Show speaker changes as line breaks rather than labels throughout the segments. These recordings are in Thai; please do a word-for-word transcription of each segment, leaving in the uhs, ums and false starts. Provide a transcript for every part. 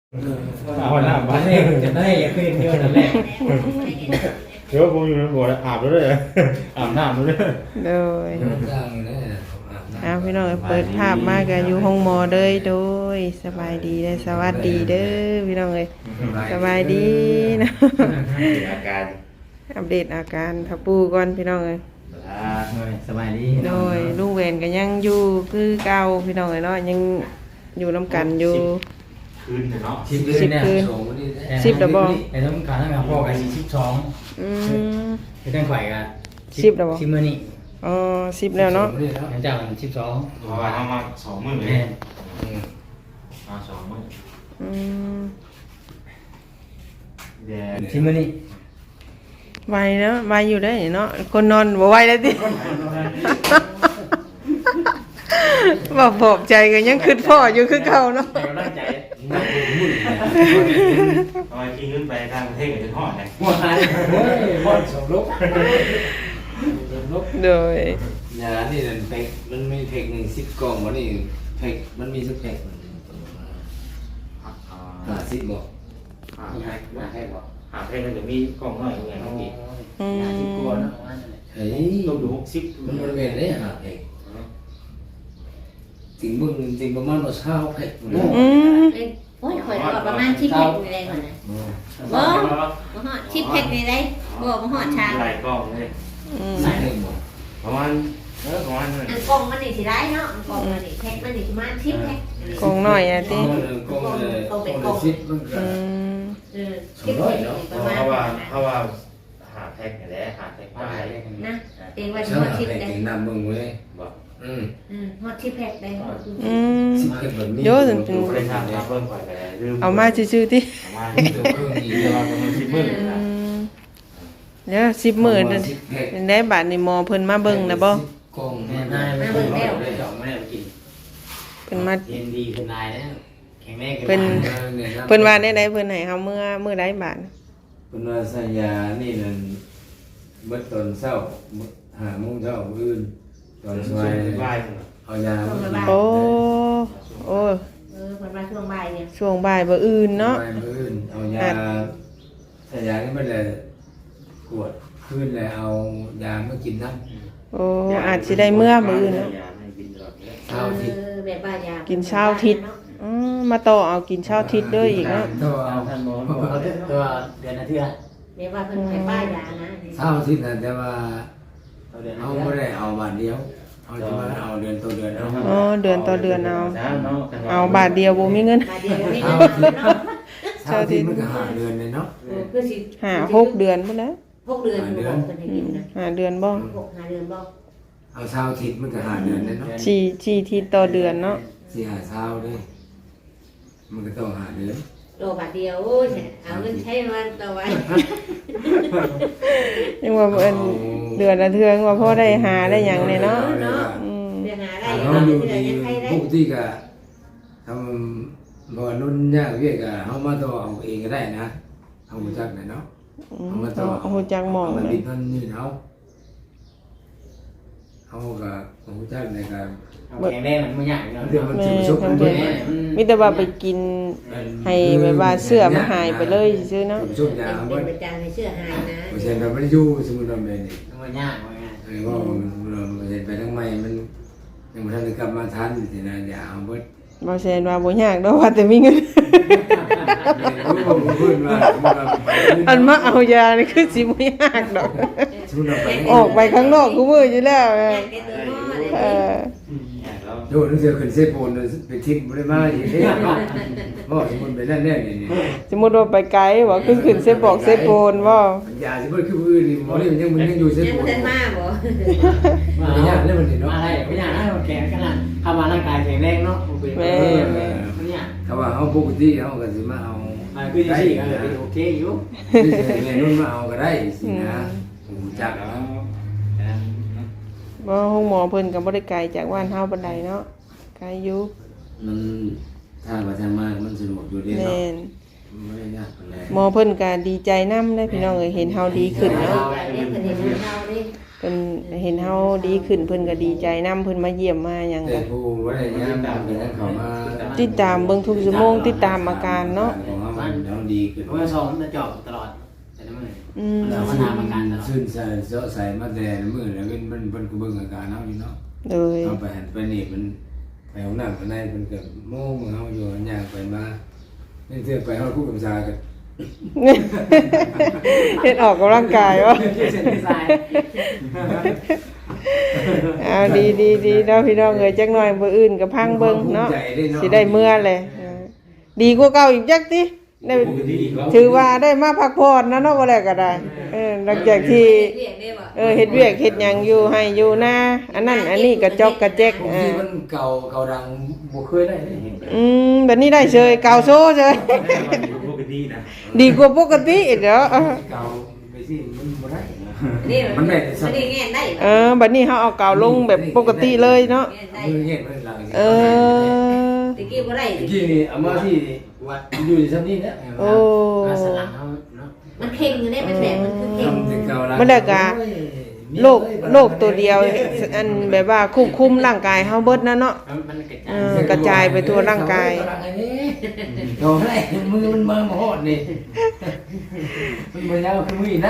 เอาหน้าบ้านจะได้ขึ้นเยอะนั่นแหละเดี๋ยวผมอยู่ในบ่ออาบแล้วเลยอาบน้ำแล้วเลย
โดยเอาพี่น้องเปิดภาพมากันอยู่ห้องหมอเลยโดยสบายดีได้สวัสดีเด้อพี่น้องเอ้ยสบายดีนะ
อาการ
อัปเดตอาการทับปูก่อนพี่น้องเอ้ย
สบายดี
โดยลุงเวนก็ยังอยู่คือเก่าพี่น้องเอ้ยเนาะยังอยู่น้ำกันอยู่
คืนเนาะ
สิบคืนสิบดับเบิ้ล
ไอ้ต้องการทั้งกับพ่อกับสิบสอง
อืม
ไอ้ต้องไข่กัน
สิบดับเบิ้ล
สิบมือนี่
อ๋อสิบแล้วเนาะ
หลังจากสิบสองเพราะว่าเอามาสองมือเลยมาสองมือ
อืม
เดี๋ยวสิบมือนี่
ไวเนาะไวอยู่ได้เนาะคนนอนบ่ไวแล้วติบ่ปลอบใจกันยังคิดพ่ออยู่คือเก่าเนาะ
แต่ก็ตั้งใจเอาไอ้ที่ขึ้นไปทางประเทศกับจะทอดไงหมดไทยหมดสมลุก
โดย
ยานี่นั่นเพกมันมีเพกหนึ่งสิบกล่องวันนี้เพกมันมีสักเพกห้าสิบบอก
ห้าเพกห้าเพกบอกห้าเพกมันจะมีกล่องน้อยอย่างเงี้ยห้าสิบกว่านะ
เฮ้ย
ต้องดูหกสิบ
มันบริเวณได้ห้าเพกจริงมึงจริงประมาณว่าเช้าเพก
อืม
โอ้ยข่อยก็ประมาณสิบเพกนี่ได้ก่อนนะบ่บ่ฮอดสิบเพกนี่ได้บ่บ่ฮอดชา
หลายกล่องเลย
ใส่หนึ่งบอก
ประมาณเออประมาณนั้น
อันกล่องมันนี่สิได้เนาะอันกล่องมันนี่เพกมันนี่ประมาณสิบเพก
กองหน่อยอ่ะติ
กล่องเลยกล่องเลยสิบมันก็
อืม
เออสิบเพกนี่ประมาณ
เพราะว่าเพราะว่าหาแพ็กนี่แหละหาแพ็กไป
นะเองว่าสิ
เช้า
ฮอดสิบ
เพก
ได้
ถึงนำมึงเว้ย
บอก
อืม
อืมฮอดสิบเพกได้
อืม
สิบเพกแบบนี้
เยอะจน
ไปทางเพิ่มไปแต่ลืม
เอามาซื่อๆติ
เอามาตัวเครื่องอีกเดี๋ยวเราจะมาสิบมื้อนะ
เดี๋ยวสิบมื้อนั่นเป็นได้บาดนี่หมอเพิ่นมาเบิ่งนะบ่
กล่อง
แม่นายไม่เบิ่งแล้วได้สองแม่กิน
เพิ่นมา
เย็นดีขึ้นนายแล้วแข็งแรงขึ้น
เพิ่นเพิ่นว่าได้ๆเพิ่นให้เฮาเมื่อมื้อใดบาด
เพิ่นว่าสัญญานี่นั่นเบิดตอนเช้าห้าโมงเช้ามื้ออื่นตอนสายเอายา
โอ้โอ้
เออเพิ่นมาช่วงบ่ายเนี่ย
ช่วงบ่ายบ่อื่นเนาะ
มื้ออื่นเอายาสัญญานี่มันเลยกวดคืนเลยเอายามากินน้ำ
โอ้อาจสิได้เมื่อมื้ออื่นเนาะ
เช้าทิศ
เออแบบว่ายา
กินเช้าทิศอืมมาต่อเอากินเช้าทิศด้วยอีกเนาะ
ตัวเอา
ท่านหมอเอาตัวเดือนอาทิตย์
แบบว่าเพิ่นให้ป้ายานะ
เช้าทิศนั่นแต่ว่าเอาไม่ได้เอาบาทเดียวเอาจะมาเอาเดือนต่อเดือนเอา
อ๋อเดือนต่อเดือนเอาเอาบาทเดียวบ่มีเงิน
บาทเดียวนี่เนาะ
เช้าทิศมันก็หาเดือนเลยเนาะ
เออคือสิ
ห้าหกเดือนพุ่นนะ
หกเดือนบ่เพิ่นให้กินนะ
ห้าเดือนบ่
หกห้าเดือนบ่
เอาเช้าทิศมันก็หาเดือนเลยเนาะ
สี่สี่ทิศต่อเดือนเนาะ
สี่หาเช้าด้วยมันก็ต้องหาเดือน
โลบาทเดียวโอ้ยเอาเงินใช้มันต่อไว้
ยังว่าเอิ้นเดือนละเทื่อว่าพอได้หาได้หยังเนี่ยเนาะอืม
เดือนหาได้
เรา
เนาะ
อยู่
เดือ
ดี
นยังใช้ได้
ปกติก็ทำบ่นุ่นยากเวียกก็เฮามาต่อเอาเองก็ได้นะเอามาจากไหนเนาะ
อืมเอาฮู้จักหม่อง
มัน
เล
ดิ
ย
นมันนี่เฮาเฮาก็ฮู้จักในการ
แข็งแรงมันไม่ยากเนาะ
เรื่องมัน
แม่
สิประสบมัน
ทำ
บ่
เพิ่น
ได้
มีแต่ว่าไปกินให้แบบว่าเสื้อมันหายไปเลยซื่อเนาะ
ประสบยา
เป็
บ่
นประจำในเสื้อหายนะ
บ่ใช่ว่ามันอยู่สมมุติว่าแม่นี่
มันยากว่าไง
ไอ้ว่ามันเห็นไปทั้งใหม่มันยังบ่ทันได้กลับมาทันสินะอย่าเอาเบิด
บ่แซ่นว่าบ่ยากดอกว่าแต่มีเงิน อันมาเอายานี่คือสิบ่ยากดอกออกไปข้างนอกกูมืออยู่แล้วเออ
โดนเสือขึ้นเซโปนไปทิ้งบ่ได้มาอีกเด้บ่สมมุติไปนั่นแน่นี่
สมมุติว่าไปไกลว่าขึ้นขึ้นเซบอกเซโปนบ่
ยาสิบ่คืออื่นนี่หมอนี่มันยังมันยังอยู่เซ
ยัง
โป
บ่
น
ทันมาบ่
ไม่ยากเลยมันนี่เนาะ
อะไรไม่ยากนะมันแข็งขนาดทำมาร่างกายแข็งแรงเนาะแม่ไม่ยาก
ถ้าว่าเฮาปกติเฮาก็สิมาเอา
อ่าคือจะสี่กันเลยโอเคอยู่
นี่สิแม่นุ่นมาเอาก็ได้สินะผมจัก
บ่ห้องหมอเพิ่นก็บ่ได้ไกลจากบ้านเฮาปานใดเนาะไกลอยู่
มันถ้าว่าทางมามันสะดวกอยู่เด้
แม่
เนาะ
น
ไม่ได้ยากปานใด
หมอเพิ่นก็ดีใจนำได้พี่น้องเอ้ยเห็นเฮาดีขึ้นเนาะ
เด็กเพิ่นเห็นเราดิ
เพิ่นเห็นเฮาดีขึ้นเพิ่นก็ดีใจนํเพิ่นมาเยี่ยมมาหยัง
แต่
ก็
ผู้ว่าได้ยามตามกันนั้นเขามา
ติดตามเบิ่งทุกชั่วโมงติดตามอาการเนาะ
ของเรามันเราดีขึ้น
เพราะว่าซองมันจะจอบตลอดแต่ละมื้อ
อืม
เราก็ตามอาการตลอด
ซึ่งใส่เจาะใส่มาแต่มื้อแล้วเป็นมันเพิ่นก็เบิ่งอาการเฮาอยู่เนาะ
โดย
เอาไปหันไปนี่มันไปห้องน้ำข้างในเพิ่นก็โม้มือเฮาอยู่ย่างไปมานี่เทื่อไปเฮาคู่กับชากัน
เฮ็ดออกกำลังกายวะ
เส้นที่สาย
เอาดีดีดีเนาะพี่น้องเอ้ยจักหน่อยมื้ออื่นก็พังเบิ่งเนาะสิได้เมื่อเลยเออดีกว่าเก่าอีกจักติได้ถือว่าได้มาพักผ่อนนะเนาะบ่ได้ก็ได้เออหลังจากที่
เรียกได้บ่
เออเฮ็ดเวียกเฮ็ดหยังอยู่ให้อยู่นาอันนั้นอันนี้กระจอกกระแจก
บาง
เอ
ที
อ
มันเก่าเก่าดังบ่เคยได้เลย
อืมบัดนี้ได้เฉยเก่าโซเฉย
ปกตินะ
ดีกว่าปกติอีกเด้อ
เก่าไปสิมันบ่ได้
นี่
มันได้แต่
มั
สั
น
ก
ได้แง่ได้
เออบัดนี้เฮาเอาเก่าลงแบบปกติเลยเนาะ
แง่ได้
มือเงี้ยมันหลัง
เออ
ตะกี้บ่ได้
เมื่อกี้นี่เอามาที่วัดอยู่ที่ซั่นนี่นะ
โอ้
สลังเขาเนาะ
มันเข่งอยู่ได้มันแผลมันคือเข่ง
ทำแต่เก่าละ
มันได้กะโรคโรคตัวเดียวอันแบบว่าควบคุมร่างกายเฮาเบิดนะเนาะ
มันกระจา
เอย อกระจายไปทั่วร่างกาย
โอ้ยมือมันมาหมดนี่มันบ่ยาวคือมือนะ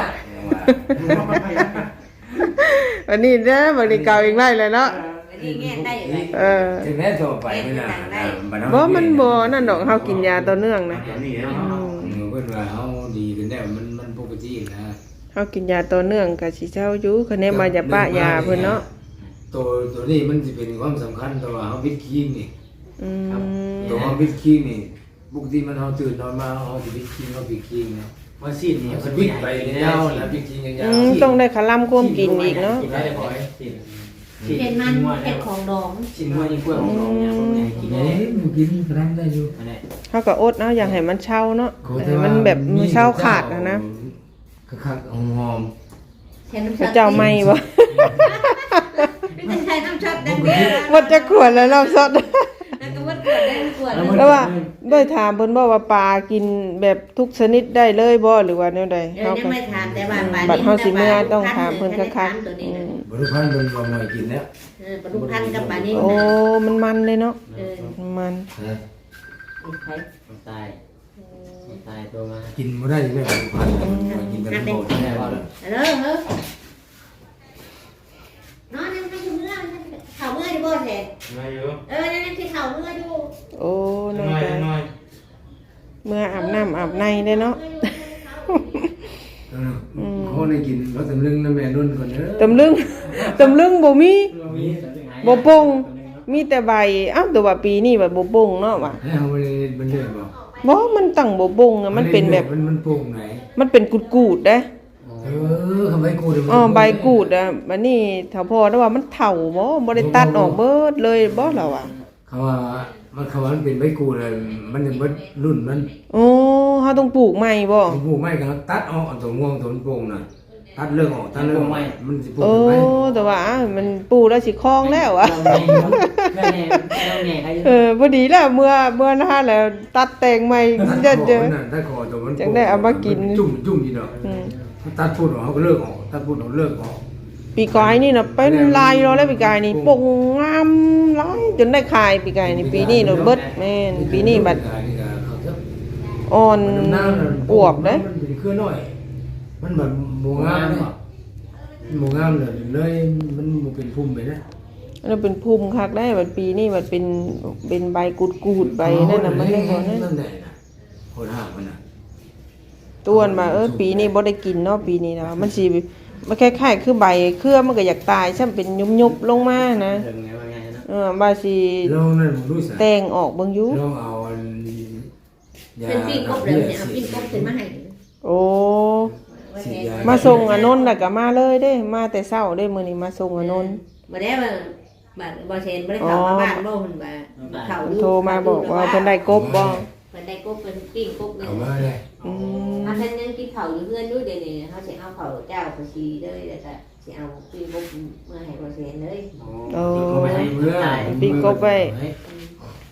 วันนี้เด้อบัดนี้เก่าอีกไล่เลยเนาะ
อันนี้แง่ได้อยู่เลย
เออ
ถึงแม้ตัวไปไม่นาน
บ่มันบ่นั่นดอกเฮากินยาต่อเนื่องนะ
อย่างนี้เนาะ
อืม
เพิ่นว่าเฮาดีขึ้นแล้วมันมันปกตินะ
เฮากินยาต่อเนื่องก็สิเช้าอยู่คะแนนมาจะปะยาเพิ่นเนาะ
ตัวตัวนี้มันสิเป็นความสำคัญตัวเฮาวิตคิงนี่
อืม
ตัวเฮาวิตคิงนี่ปกติมันเฮาตื่นนอนมาเฮาสิวิตคิงเฮาวิตคิงนะ
ว่าซีดนี่
สวิตไปยาวนะวิตคิงยา
อื
ว
มต้องได้คลำความกินอีกเนาะ
กินได้บ่อยซีด
เป็นมันเป็นของดอง
ชิ้นหัวยิ่งกว่าของเราเนี่ยพวกนี้กินได้
เอ้ยมันกินกระด้างได้อยู่
อันนี้
เฮาก็อดเอาอย่างให้มันเช่าเนาะให้มันแบบมันเช่าขาดนะนะ
คักๆหอม
ใช้น้ำ
พระเจ้าไม่บ่
ไม่ใช่น้ำช็อตดังเดียว
หมดจะขวดแล้วรอบสด
แล้วก็วัดขวดได้ขวด
แล้วว่าได้ถามเพิ่นบ่ว่าปลากินแบบทุกชนิดได้เลยบ่หรือว่าแนวใด
เออ
เฮา
ยัง
ก็
ไม่ถามแต่ว่า
บัดเฮาสิเมื่อต้องถามเพิ่นคัก
ตัว
ๆ
นี้
อื
นะ
ม
บริพันธ์เป็นว่าหน่อยกินแล้ว
เออปลาดุกพันกับปลานิ่ม
โอ้
นะ
มันมันเลยเนาะ
เออ
มัน
ใคร
ตายตายตัวมา
กินไม่ได้เลยบริพันธ์กินแต่โบดแน่ว่าเลย
เออเออนอนนั่งนั่งเมื่อเข่าเมื่ออยู่บ่แท้
มาอยู่
เออนั่นนั่นที่เข่าเมื่ออยู่
โอ้น้อง
น้อย
ตา
น้อย
เมื่ออาบน้ำอาบในได้เนาะ
เขาได้กินเขาตำลึงน้ำแม่นุ่นก่อนเนอะ
ตำลึง ตำลึงบ่มี
มี
บ่โป่งมีแต่ใบอ้าวแต่ว่าปีนี้แบบบ่โป่งเนาะว่ะ
ให้เอาไปมันเลื่อนบ่
บ่มันตั้งบ่โป่งอะมันเป็นแบบ
มันมันโป่งไหน
มันเป็นกูดๆเด้
เออทำไมกูเดี๋ยว
อ๋อใบกูดอ่ะบัดนี้ถ้าพอได้ว่ามันเฒ่าบ่บ่ได้ตัดออกเบิดเลยบ่ล่ะว่ะ
เขาว่ามันเขาว่ามันเป็นใบกูเลยมันยังเบิดรุ่นมัน
โอ้เฮาต้องปลูกใหม่บ่
ปลูกไม่กันตัดออกตัวม่วงตัวโป่งน่ะตัดเรื่องออกตัดเรื่องออกมันสิปลูก
โอ้
ไหม
แต่ว่าอ้าวมันปลูกแล้วสิคลองแล้วอ่ะ
เราแง่เราแง่ใคร
เออพอดีแล้วเมื่อเมื่อหน้าแล้วตัดแต่งใหม่
ตัด
จะ
ค
เจ
อ
อ
มันน่ะตัดคอตัวมัน
จังได้เอามากิน
จุ่มจุ่มอยู่ดอก
อืม
ตัดพูดออกเขาก็เลิกออกตัดพูดออกเลิกออก
ปีกายนี่น่ะเป็นลายเราแล้วปีกายนี่ปงงามหลายจนได้ขายปีกายนี่ปีนี้เราเบิดแม่นปีนี้บัด
นี่ก็เขาจะ
อ่อน
มันน้ำน่ะ
อวบเด้
มันเป็นเครือน้อย มันแบบโมงามเลยโมงามเลยเลยมันบ่เป็นพุ่มไปนะ
แล้วเป็นภูมิคักได้บัดปีนี้บัดเป็นเป็นใบกูดๆใบนั่นน่ะมันได้บ่นั่น
นั่นแหละนะโคตรห่างมันน่ะ
ต้วนมาเออปีนี้บ่ได้กินเนาะปีนี้นะมันสิมันคล้ายๆคือใบเครือมันก็อยากตายซ้ํเป็นยุบๆลงมานะ
เรื่องไงว่าไงนะ
เออบ่าสิ
ลองนั่นผมรู้สึก
แต่งออกเบิ่งอยู่
ลองเอาอันยา
เป็นปิ้งกบเลยเนี่ยเอาปิ้งกบขึ้นมาให้
โอ้
ว่า
ฉี
แท้
ดย
มาส่งอนนท์แล้วก็มาเลยเด้ มาแต่เช้าเด้มื้อนี้มาส่งอนนท์
บ่ได้ว่าบัดบ่เซ็นบ่ได้เข้ามาบ้านบ่เพิ่นว่าเข้า
เพิ่นโทรมาบอกว่าเพิ่นได้กบบ่
เพิ่นได้กบเพิ่นปิ้งกบเลย
เอามาเลย
อืม
ถ้าท่านยังกินข้าวอยู่เพื่อนอยู่เดี๋ยวนี้เฮาสิเอาข้าวเจ้าไปชีเลยแล้วก็สิเอาปิ้งกบเมื่อให้บ่เซ็นเลย
โอ้
เอาไปให้เมื่อ
ปิ้งกบไว้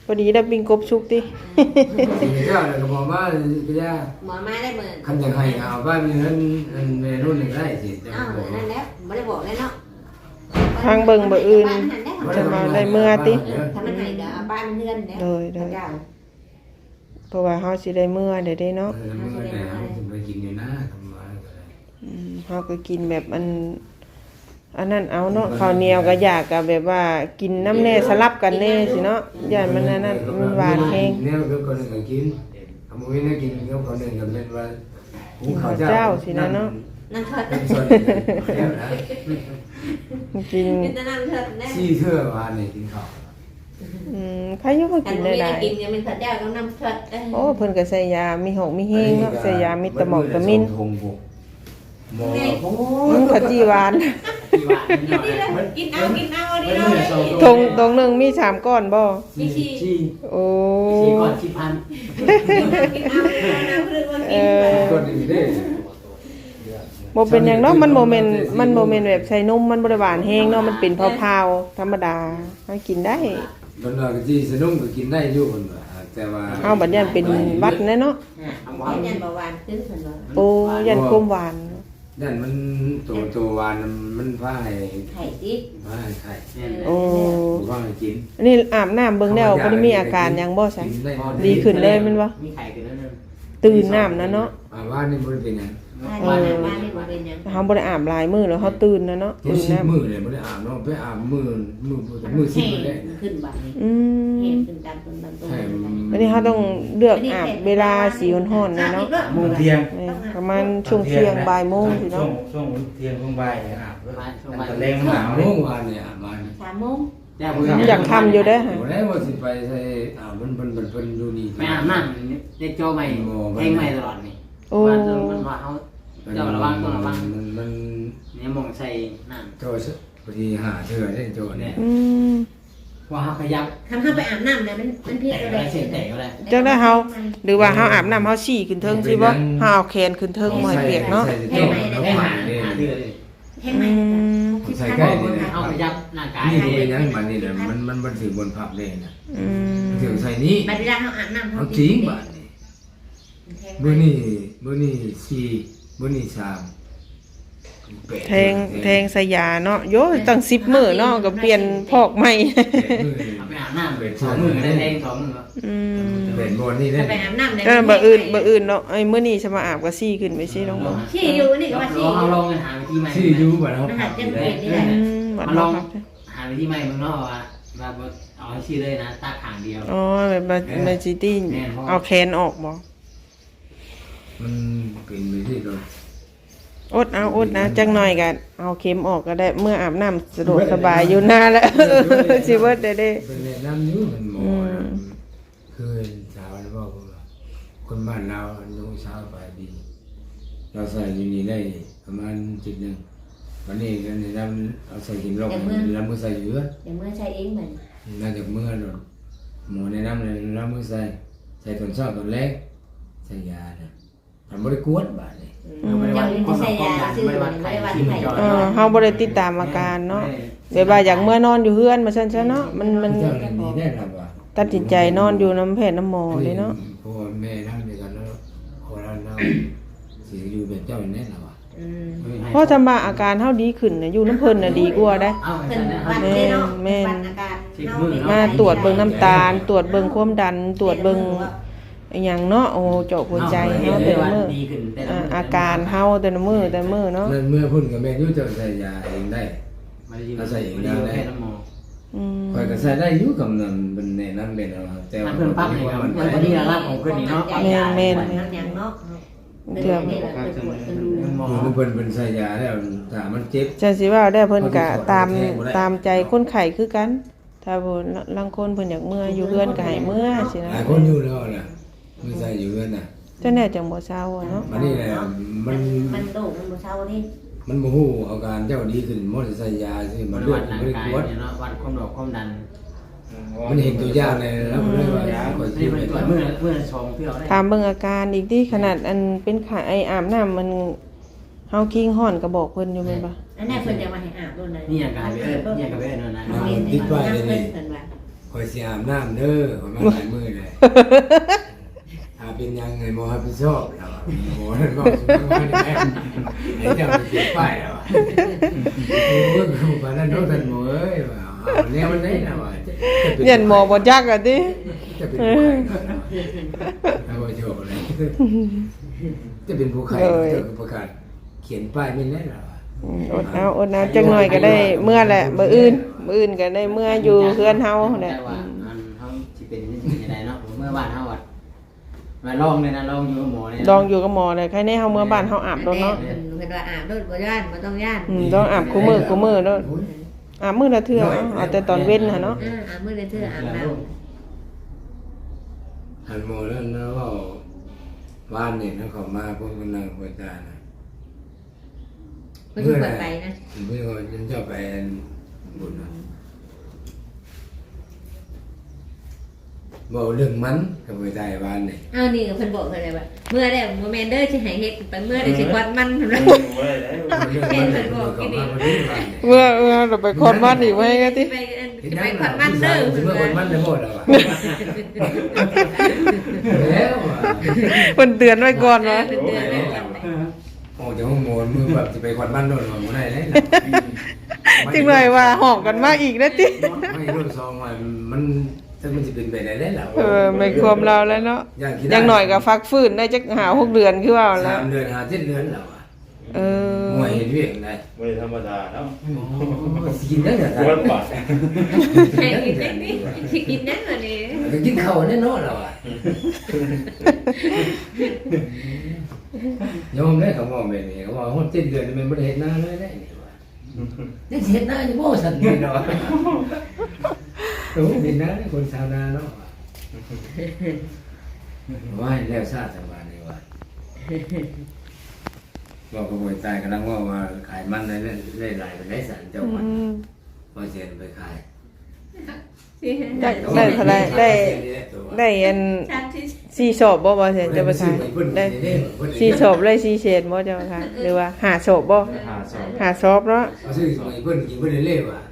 พอดีได้ปิ้งกบชุกติ
เจ้าเนี่ยก็บอกว่าก็ย่า
หมอมาได้เหมือน
คันจะให้เอาบ้านมีเงินเมนูหนึ่งได้สิ
อ้าวนั่นแล้วไม่ได้บอกเลยเนาะ
ทางเบิ่งบ่อื่นจะมาได้เมื่อติ
ถ้ามันให้ก็เอาบ้านเพื่อนเนี่ย
เลยเลยเพราะว่าเฮาสิได้เมื่อได้เด้เนาะ
เมื่อไหร่จะไปกินอยู่นะทำมาก็ได้
อืมเฮาก็กินแบบอันอันนั้นเอาเนาะข้าวเหนียวก็อยากก็แบบว่ากินน้ำแน่สลับกันแน่สิเนาะย่านมันอันนั้นมันหวานแฮง
เนี่ยก็คนหนึ่งก็กินเอามือนี่กินก็คนหนึ่งก็เป็นว่าหุงข้าว
เจ้า
เจ้า
สินะเนาะ
นั่นเถิด
เป็นส่วนเดียวนะ
กิน
เป็นแต่นั่นเถิดแน่
ซี่เทื่อวานนี่กินข้าว
อืมใครอยู่บ่
แต่
กิน
ไม่
ได้
ได้กินยังเป็นเถิดเจ้าต้องนำเถิด
โอ้เพิ่นก็ใส่ยามีหกมีเฮงเนาะใส่ยามีตะหมอกตะมิน
ทงบุกหมอ
อืมขจีหวาน
ที่ว่าเนี่ย
กินเอากินเอาดิ
เป็น
เนา
หมื่นสอง
ทงตรงหนึงมีสามก้อนบ่
มีชี
ที่
โอ้
สี่ก่อนสิบพัน
กินเอากินเอาเรื่องว่า
เอ
กิน
อ
ก็ดีเด้
บ่เป็นหยังเนาะมันบ่แม่นมันบ่แม่นแบบใส่นมมันบ่ได้หวานแฮงเนาะมันเป็นเผาๆธรรมดาหากินได้
คนเราก็ที่สนุกก็กินได้อยู่คนว่าแต่ว่า
เฮาบัดยันเป็นหวัดแน่เนาะ
เอา
หมอ
ไว้
ยันเบาหวานขึ้นเหมือนว่า
โอ้ยันความหวาน
นั่นมันตัวตัววานมันพาให้
ไข่ดิ
พาให้ไข่
เนี่ย
โอ้
พาให้กิน
อันนี้อาบน้ำเบิ่งแล้วบ่ได้มีอาการหยังบ่ซะ
กินได้
ดีขึ้นเลยแม่นบ่
มีไข่กันแล้วนึง
ตื่นน้ำนะเนาะ
อ่าว่านี่บ่ได้เป็นหยัง
บ้านบ้านนี่บ่เป็นยัง
เฮาบ่ได้อาบหลายมื้อแล้วเฮาตื่นนะเนาะ
กิน
ตื่น
สิบ
น้ำ
มื้อเลยบ่ได้อาบเนาะไปอาบมื้อมื้อมื้อสิบมื้อได้
ขึ้นบัดนี้
อืม
เห็นขึ้นตามต้นตามต้น
ใช่
อันนี้เขาต้องเลือกอาบเวลาสีร้อนๆนะเนาะ
โมงเที่ยง
นี่ประมาณช่วงเที่ยงบ่ายโมงสิ
ช่ว
เนาะ
งช่วงเที่ยงช่วงบ่ายเนี่ยอาบด้วย
ช่วงบ่าย
ตะแรงหนาว
เมื่
นี่
อวานเนี่ยอาบมา
สามโมง
เนี่ย
อยากทำอยู่เด้อ
บ่ได้ว่าสิไปใส่อาบมันเพิ่นเพิ่นเพิ่นอยู่นี่
ไม่อาบน้ำเด็กโจใหม่เพลงใหม่ตลอดนี่
โอ้
ว่ามันว่าเขาเจ้าระวังต้องระวัง
มันมัน
เนี่ยมองใส่น้
โจพอดีหาเทื่อได้โจเนี่ย
อืม
ำว่าเขาขยับ
ทำเข้าไปอาบน้ำเนี่ยมันมันเพี้ย
แต่
น
อะไร
เลย
เสียงแต่ก็ได้
จังได้เฮาหรือว่าเฮาอาบน้ำเฮาฉี่ขึ้นเทิงสิบ่เฮาเอาแขนขึ้นเทิงบ่ให้เปียกเนาะ
ใส่โจแล้ว
ให้
ผ่า
หาน
นี่
หาเดือดเลย
แห้งไหม
ใส่ใกล้นี่
เอาขยับร่างกาย
นี่ก็เป็นยังบัดนี้แหละมันมันมันถือบนผับเลยนะ
อืม
ถือใส่นี้
บัดเวลาเขาอาบน้ำ
เอาจริงบัดนี้เบอร์นี่เบอร์นี่สี่เบอร์นี่สามแปด
แทงแทงสยาเนาะโยตั้งสิบมื้อเนาะก็เปลี่ยนพอกใหม่
แปดมือ
เอาไปอาบน้ำสองมือได้แรงสองมือ
อืม
แปดบนนี่ได้
ไปอาบน้ำเนี่ย
ก็บ่อื่นบ่อื่นเนาะไอ้มื้อนี้จะมาอาบก็ซี่ขึ้นไปซี่น้องบ่
ชี้อยู่นี่ก็ว่าชี้
เราลองหาวิธีใหม่
สี่ยูบัดเขา
มัน
ผั
หั
บ
ด
อ
จะ
ยู่
เป
ได้
ลี่ยนนี่แหละ
อืมบัด
มาล
เนาะ
อง
ครับ
หาวิธีใหม่มึงเนาะว่าแบบเอาให้ชื่อเลยนะตาขางเดียว
อ๋อแบบมามาซิตี้เอาแขนออกบ่
มันเป็นไปที่เรา
อดเอาอดนะจังหน่อยกันเอาเข็มออกก็ได้เมื่ออาบน้ำสะดวกสบายอยู่หน้าแล้ว สิเบิดได้เด้
เป็นแนะนำอยู่มันหมอนะคือสาวนะบอกว่าคนบ้านเราน้องสาวไปดี เราใส่อยู่นี่ได้ประมาณจุดหนึ่งวันนี้ก็แนะนำเอาใส่กินลงแล้วมือใส่เยอะ
อย่างเมื่อใช้เองเหมือน
น่าจะเมื่อหรอกหมอแนะนำเลยแล้วมือใส่ใส่ตอนเช้าตอนแรกใส่ยานะทำบริกวดบาดเลย
เจ้าลิ้นใช้ยาชื่อไม่ได้วัดไข่
เออเฮาบ่ได้ติดตามอาการเนาะแบบว่าอยากเมื่อนอนอยู่เฮือนมาซั่นซะเนาะมันมัน
เจ้าหนี้ได้หรอวะ
ตัดสินใจนอนอยู่น้ำแพทย์น้ำหมอเลยเนาะ
พ่อแม่นั่งด้วยกันแล้วพอเราเราสิอยู่เป็นเจ้าแน่หรอวะ
อืม
เพราะถ้ามาอาการเฮาดีขึ้นน่ะอยู่น้ำเพิ่นน่ะดีกว่าได้
เอา
เป็
เป็น น
วั
วั
ด
ด
เลยเนาะวัดอาการ
มาตรวจเบิ่งน้ำตาล ตรวจเบิ่งความดัน ตรวจเบิ่งอหย่างเนาะโอ้เจาะหัวใจเฮาแต่ละมื้อ
ดีขึ้นแต่ละ
อ่า
มื้
อาการเฮาแต่ละมื้อแต่ละมื้อเนาะ
นั่นเมื่อพุ่นกับแม่ยุ่จะใส่ยาเองได้
มาดีมาดีแค่น้ำหมอ
อืม
คอยก็ใส่ได้อยู่กับนั่นเป็นแนะนำเป็นเอาแต่
มั
ว่าน
เพิ่มปั๊บให้ครับมันก็ดีระดับของเพิ่นนี่เนาะ
อย่างเนาะ
เถื่อ
นี่แหละเป็นปวดเป็นรู
หมอ
คือเพิ่นเป็นใส่ยาแล้วถ้ามันเจ็บ
จังสิว่าได้เพิ่นก็ตามตามใจคนไข้คือกัน ถ้าเพิ่นลางคนเพิ่นอยากเมื่ออยู่เฮือนก็ให้เมื่อสินะ
หลายคนอยู่แล้วน่ะมือใส่อยู่กันน่ะ
จังแน่จังบ่เศร้าอะเนาะ
มันนี่แหละมัน
มันโด่งมันบ่เช้านี่
มันบ่ฮู้อาการเจ้าดีขึ้นมอใส่ยาสิมัน
มัน
เลือ
วั
ด
ด
มัน
ร่าง
บ่ได้
กาย
กวด
เนี่ยเนาะวัดความดันความดัน
มันเห็นตัวอย่างเลยแล้วมันเลยว่าคอย
นี่
สิ
มัน
ไป
ตรวจเมื่อเมื่อชงเพื่อได้
ถามเบิ่งอาการอีกที่ขนาดอันเป็นไข้ไออาบน้ำมันเฮาคิงฮ้อนก็บอกเพิ่นอยู่แม่นบ่
อันนี้เพิ่นจะมาให้อาบด้วยนะ
นี่อย่างกับเอิ้นนี่อย่างกับเอิ้นนะ
เพิ่นว่า
อ
คอยสิอาบน้ำเด้อประมาณหลายมื้อเลยถ้าเป็นยังไงหมอรับผิดชอบแล้วอะหมอนั่นบอกสุดท้ายแม่ไอ้เจ้าไปเก็บป้ายแล้วอะโอ้ยกูปานนั้นโดนท่านหมอเอ้ยว่าเอาแนวมันได้นะว่า
เรียนหมอบ่จักอ่ะติ
จะเป็นผู้ใครเอาไว้โชว์เลยจะเป็นผู้ใครจะประกาศเขียนป้ายไม่แน่หรอ
อืมอดเอาอดเอาจักหน่อยก็ได้เมื่อแหละมื้ออื่นมื้ออื่นก็ได้เมื่ออยู่เฮือนเฮาแหละ
แต่ว่าอันเฮาสิเป็นยังไงเนาะเมื่อบ้านเฮาอ่ะมาลองเลยนะลองอยู่กับหมอเลยนะ
ลองอยู่กับหมอเลยใครแน่เฮาเมื่อบ้านเฮาอาบโดนเนาะ
เพิ่นว่าอาบโดดบ่ย่านบ่ต้องย่าน
อืมต้องอาบคู่มือคู่มือเนาะอาบมื้อละเทื่อเอาเอาแต่ตอนเว้นหั่นเนาะ
อ่าอาบมื้อละเทื่ออาบน้ำ
หันโมแล้วนะว่าบ้านเนี่ยนะเขามาพวกมันนั่งคุยกันนะ
เพิ่นสิเปิดไปนะ
เมื่อวันฉันจะไปบุญนะบอกเรื่องมันกับไปใจบ้านเนี่ย
อ้าวนี่ก็เพิ่นบอกเพิ่นเลยว่าเมื่อได้บ่แม่นเด้อสิให้เฮ็ดไปเมื่อได้สิกวาดมันเพิ่นว่า
เรื่องมันเนี่ยเขามาพอดีบ้านเนี่ย
เมื่อเมื่อเราไปคอนบ้านอีกไว้ก็ติ
ไปอันจะไปกวาดมันเด้อ
เมื่อคนมันจะหมดแล้วอ่ะแล้วอ่ะ
เพิ่นเตือนไว้ก่อนว่า
เพิ่นเตือนไว้ก่อน
โอ้เดี๋ยวห้องโมนมือแบบจะไปควันบ้านโดนหมดได้เลย
จึงเลยว่าหอกกันมาอีกนะติ
ไม่รู้ซองว่ามันถ้ามันจะเป็นไปได้แล้ว
เออไม่ความเราแล้วเนาะอย่างหน่อยก็ฟักฟื้นได้จักหาหกเดือนคือว่าแล้
สาว มเดือนหาเจ็ดเดือนแล้วอ่ะ
เออ
มวยเห็นเวียงได้
ไม่ธรรมดาเนาะ
กินได้เหรอ
ปวดปอด
ให้กินได้นี่สิกินนั้นว่านี่
กินข้าวแน่นอนแล้วอ่ะยอมได้เขาบอกแบบนี้เขาบอกว่าเจ็ดเดือนมันไม่ได้เห็นหน้าเลยได้นี่ว่าได้เห็นหน้าอยู่บ่สันนี่เนาะโอ้เห็นหน้าคนชาวนาเนาะว่าแล้วชาติสบายนี่ว่าบอกกระบวยตายกำลังว่าว่าขายมันได้ได้หลายไปได้สันเจ้ามัน
อืม
พอเสียไปขาย
ได้ได้เท่าไหร่ได้ได้อัน
ชาติที่
สี่ศพบ่บ่แซ่นจะบ่ทายได้สี่ศพเลยสี่เศษบ่เจ้าค่ะหรือว่าห้าศพบ่
หาสอง
ห้าศพเนาะ
เอาซื้อสมัยเพิ่นกินเพิ่นเล่ๆว่ะ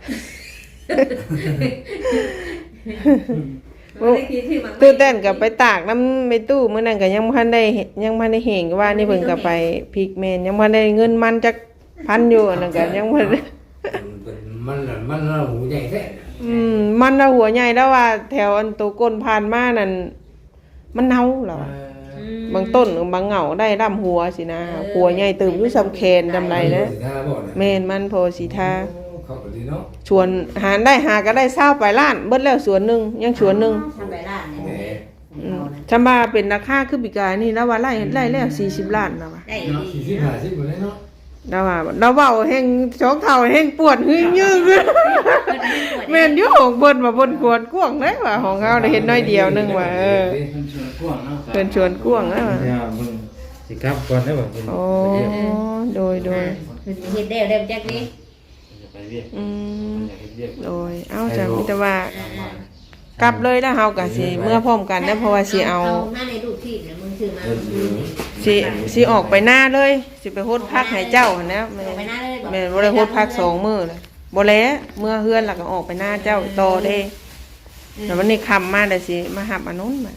บ่ได้คิดที่มัน
ตู้เต้นก็ไปตากน้ำในตู้มื้อนั้นก็ยังบ่ทันได้เห็นยังบ่ทันได้เห็นว่านี่เพิ่นก็ไปพริกแม่นยังบ่ทันได้เงินมันจักพันอยู่อันนั้นก็ยังบ่ได้
มันมันเราหูใหญ่แท้
อืมมันน่ะหัวใหญ่แล้วว่า แถวอันตัวก้นผ่านมานั่นมันเน่าแล้วอะบางต้นบางเหงาได้ร่ำหัวสินะหัวใหญ่ตื่มอยู่ซำแคนจำไรนะแม่นมันโพสีทา
เขาก็ดีเนาะ
ชวนหาได้หาก็ได้เศร้าไปล้านเบิดแล้วสวนหนึงยังสวนหนึง
ทำไปร้าน
แหม
เนี่ย
อืมชำบาเป็นราคาคือปีกายนี่แล้วว่าไล่ไล่แล้วสี่สิบล้านแล้วว่า
ได้
เนาะสี่สิบห้าสิบหมดเลยเนาะ
แล้วว่าเราเว้าแห่งชอกเท่าแห่งปวดหึ่งยึงแม่นอยู่ของเพิ่นว่าเพิ่นกวนกวางเด้ว่าของเฮาได้เห็นน้อยเดียวนึงว่าเออ
เพิ่นชวนกว้างเนาะ
เพิ่นชวนกวางแล้วว่า
เนี่ยมึงสิครับก่อนได้บ่คุณ
โอ้โดยโดย
เฮ็ดได้ได้จักนี้
จะไปเรียก
อืม
อยากเรียก
โดยเอ้าจ้ะมีแต่ว่ากลับเลยแล้วเฮาก็สิเมื่อพร้อมกันนะเพราะว่าสิเอา
มาในรูปที่เนี่ยมึงถือมา
สิสิออกไปหน้าเลยสิไปโฮดพักให้เจ้าหั่นนะแม่
ไปหน้าเลย
แม่บ่ได้โฮดพักสองมื้อเลยบ่แลเมื่อเฮือนแล้วก็ออกไปหน้าเจ้าต่อเด้แล้ววันนี้ค่ำมาได้สิมาหับอันนู้นมา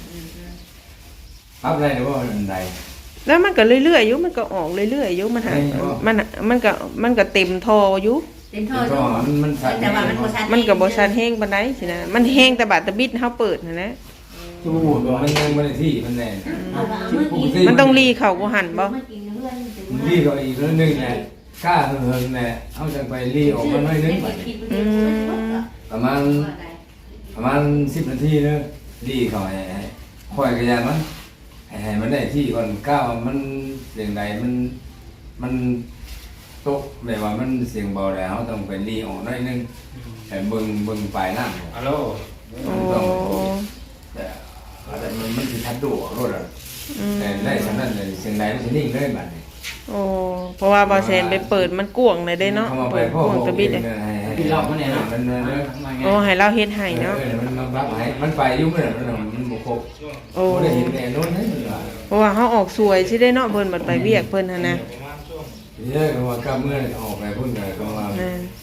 ปั๊บได้หรือว่าอันใด
แล้วมันก็เรื่อยๆอยู่มันก็ออกเรื่อยๆอยู่มันหามันมันก็มันก็เต็มทออยู่
เป็นท่อ
ก็มันมันสั่น
แต่ว่ามันบ่ชัด
มันก็บ่ชันแฮงปานใดสินะมันแฮงแต่บาดตะบิดเฮาเปิดนั่นแหละ
จูดมันยังไม่ได้ที่มันแน่
มันต้องรีเข้ากูหันบ่
รีก็อีกเรื่องนึงแหละกล้าเฮิงแหละเอาจังไปรีออกมาหน่อยนึงประมาณประมาณสิบนาทีนึงรีเขาให้ค่อยกระยามันให้มันได้ที่ก่อนก้าวมันเสียงใดมันมันตกแบบว่ามันเสียงเบาแล้วต้องไปรีออกหน่อยนึงแต่เบิ่งเบิ่งปลายน้ำ
ฮัลโหล
โอ้
แต่แต่มันมันสิทัดดูรถอ่ะ
อืม
แต่ได้ฉะนั้นเลยเสียงใดมันสินิ่งเลยบัดนี้
โอ้เพราะว่าบ่แซนไปเปิดมันกว้างเลยเด้เนาะ
เข้ามาไป
เปิด
พ่อก
ว้างตะบิด
เล
เลย ย
พี่รอบมาเนี่ยเนาะ
มันมัน
มาไง
โอ้ให้เราเฮ็ดให้เนาะ
เออมันมาบักให้มันไปยุ่งเลยมันมันบ่ครบ
โอ้
บ่ได้เห็นแน่นอนเลยว่า
เพราะว่าเฮาออกสวยสิได้เนาะเพิ่นบัดไปเวียกเพิ่นหั่นนะ
เยอะก็ว่ากลับเมื่อออกไปพุ่นก็ก็ว่า
นั่น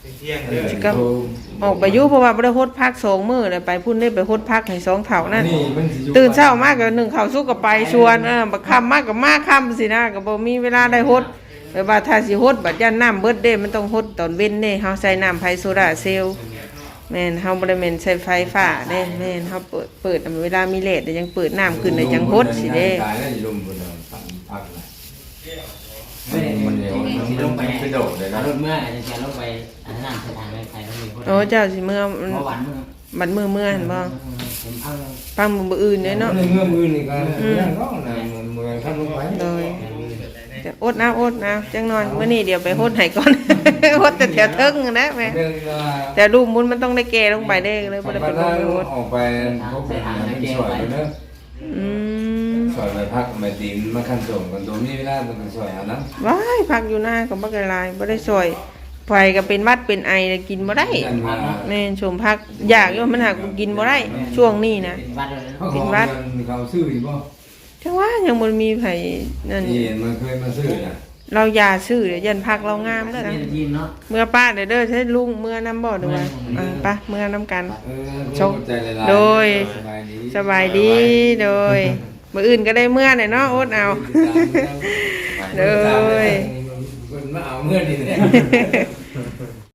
เที่ยงเด้อ
สิก็ออกไปอยู่เพราะว่าบ่ได้ฮดพักสองมื้อเลยไปพุ่นได้ไปฮดพักให้สองเท่านั่น
นี่มันสิอยู่
ตื่นเช้ามากก็นึ่งข้าวสุกก็ไปชวนเออบักค่ำมากก็มาค่ำสินะก็บ่มีเวลาได้ฮดแต่ว่าถ้าสิฮดบัดย่านน้ำเบิดเด้มันต้องฮดตอนเว้นเด้เฮาใส่น้ำไผโซดาเซลล์แม่นเฮาบ่ได้แม่นใช้ไฟฟ้าเด้แม่นเฮาเปิดเปิดเวลามีเลทยังเปิดน้ำขึ้นได้จังฮดสิเด้
ตายแล้วอยู่ลมบนนอนปั่นพักเลย
ไม่ได้
มันเหนียวมัน
สิลงไป
ไปโดดเลยนะ
รถเมื่ออาจจะลงไปอันนั้นสถานไปใส่ต้องมีคน
โอ้เจ้าสิเมื่อ
เมื่อวันเมื่อ
บัดมื้อเมื่อหั่นบ่
ผมเอา
ฟังมื้ออื่นเด้เนาะ
ในเงื่อมือนี่ก็เรื่องน้องนะเมืองท่านลงไป
โดยจะอดน้ำอดน้ำจังนอนมื้อนี้เดี๋ยวไปฮดให้ก่อน ฮดแต่แถวเทิงนะแม่
เรื่อง
แต่รูปมุนมันต้องได้แก่ลงไปได้เลยบ่ได้เป็นลงไปฮด
ออกไปพบไปหาเป็นสวยเนอะ
อืม
สวยไปพักมาตีนมาขั้นส่งกันตัวนี้เวลาต้องสวยเอานะ
ว้ายพักอยู่หน้าก็บ่ไกลายบ่ได้ซอยไฟก็เป็นหวัดเป็นไอแล้วกินบ่ได้แม่นชมพักอยากอยู่มันหากกินบ่ได้ช่วงนี้นะ
เป็นวัดเลย
เขาขอเขาซื้ออยู่ป่ะ
จังว่ายังบ่มีไผนั่น
ที่เห็นมันเคยมาซื้อนะ
เรายาซื้อเดี๋ยวยันพักเรางามแล้วนะ
ยินเนาะ
เมื่อป้าเด้อเด้อใช้ลุงเมื่อน้ำบ่ด้วยว่าอ่าไปเมื่อน้ำกัน
เออใจละลาย
โดย
สบายดี
สบายดีโดยมื้ออื่นก็ได้เมื่อน่ะเนาะอดเอา
เลยคนมาเอาเมื่อนี่เนี่ย